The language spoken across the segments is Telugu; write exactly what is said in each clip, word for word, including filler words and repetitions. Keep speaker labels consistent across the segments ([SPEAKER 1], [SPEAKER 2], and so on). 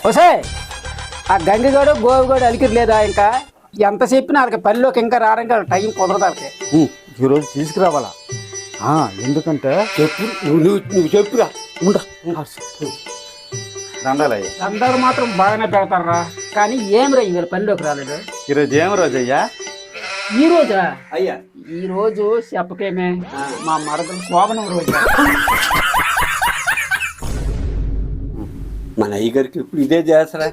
[SPEAKER 1] వసే ఆ గంగిగోడు గోవిగోడు అలికిరి లేదా ఇంకా ఎంత చెప్పినా వాళ్ళకి పనిలోకి ఇంకా రావడానికి వాళ్ళకి టైం కుదరదు వాళ్ళకి.
[SPEAKER 2] ఈరోజు తీసుకురావాలా ఆ, ఎందుకంటే
[SPEAKER 3] చెప్పు నువ్వు నువ్వు నువ్వు చెప్పురా ఉండ
[SPEAKER 2] దండాలయ్య.
[SPEAKER 1] అందరూ మాత్రం బాగానే పెడతారా, కానీ ఏం రా వీళ్ళ పనిలోకి రాలేదు.
[SPEAKER 2] ఈరోజు ఏం రోజు అయ్యా?
[SPEAKER 1] ఈ రోజా?
[SPEAKER 3] అయ్యా
[SPEAKER 1] ఈ రోజు చెప్పకేమే మా మరదలు శోభనం రోజు.
[SPEAKER 3] మన అయ్యగారికి ఇప్పుడు ఇదే చేస్తారా?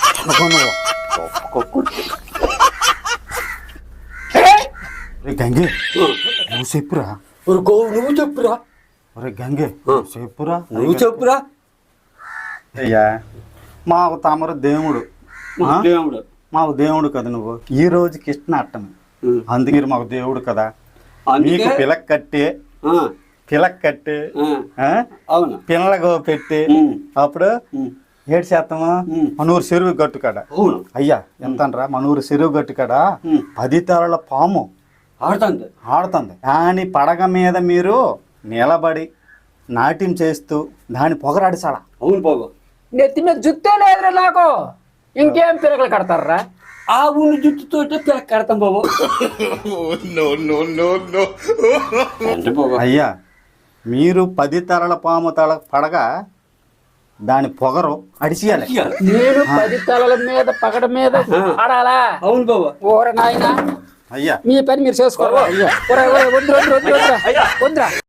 [SPEAKER 2] గంగే నువ్వు చెప్పురా.
[SPEAKER 3] ఒరే గోవు నువ్వు చెప్పురా.
[SPEAKER 2] ఒరే గంగే చెప్పురా.
[SPEAKER 3] నువ్వు చెప్పురా.
[SPEAKER 2] అయ్యా మాకు తమరు దేవుడు ఆ?
[SPEAKER 3] దేవుడు
[SPEAKER 2] మాకు దేవుడు కదా నువ్వు. ఈ రోజు కృష్ణ అట్టమి అందుకే మీరు మాకు దేవుడు కదా.
[SPEAKER 3] అందుకే
[SPEAKER 2] మీకు పిలక్ కట్టి
[SPEAKER 3] ఆ,
[SPEAKER 2] పిలక్ కట్టి
[SPEAKER 3] ఆ,
[SPEAKER 2] ఆ?
[SPEAKER 3] అవును
[SPEAKER 2] పిల్లలకు పెట్టి
[SPEAKER 3] ఉమ్,
[SPEAKER 2] అప్పుడు
[SPEAKER 3] ఉమ్,
[SPEAKER 2] ఏడు శాతము
[SPEAKER 3] ఉమ్.
[SPEAKER 2] మనూరు చెరువు గట్టు కాడ.
[SPEAKER 3] అవును
[SPEAKER 2] అయ్యా ఎంతనరా మనూరు చెరువు గట్టు కాడ
[SPEAKER 3] ఉమ్.
[SPEAKER 2] పది తరల పాము
[SPEAKER 3] ఆడుతుంది.
[SPEAKER 2] ఆడుతుంది. దాని పడగ మీద మీరు నిలబడి నాట్యం చేస్తూ దాని పొగరాడిసాడా.
[SPEAKER 3] అవును బాబు.
[SPEAKER 1] నెత్తి మీద జుత్తే లేదురా నాకు, ఇంకేం పిల్లకలు కడతారా?
[SPEAKER 3] ఆ ఊని జుట్టుతో పిల్లకి కడతాం బాబు. అంటే బాబు
[SPEAKER 2] అయ్యా మీరు పది తరల పాము తల పడగ దాని పొగరు అడిచేయాలి.
[SPEAKER 1] నేను పది తలల మీద పగడ మీద ఆడాలా?
[SPEAKER 3] అవును బాబు.
[SPEAKER 1] ఓర నాయనా
[SPEAKER 2] అయ్యా
[SPEAKER 1] మీ పని మీరు చేసుకోవాలి. వద్దురా వద్దురా వద్దురా వద్దురా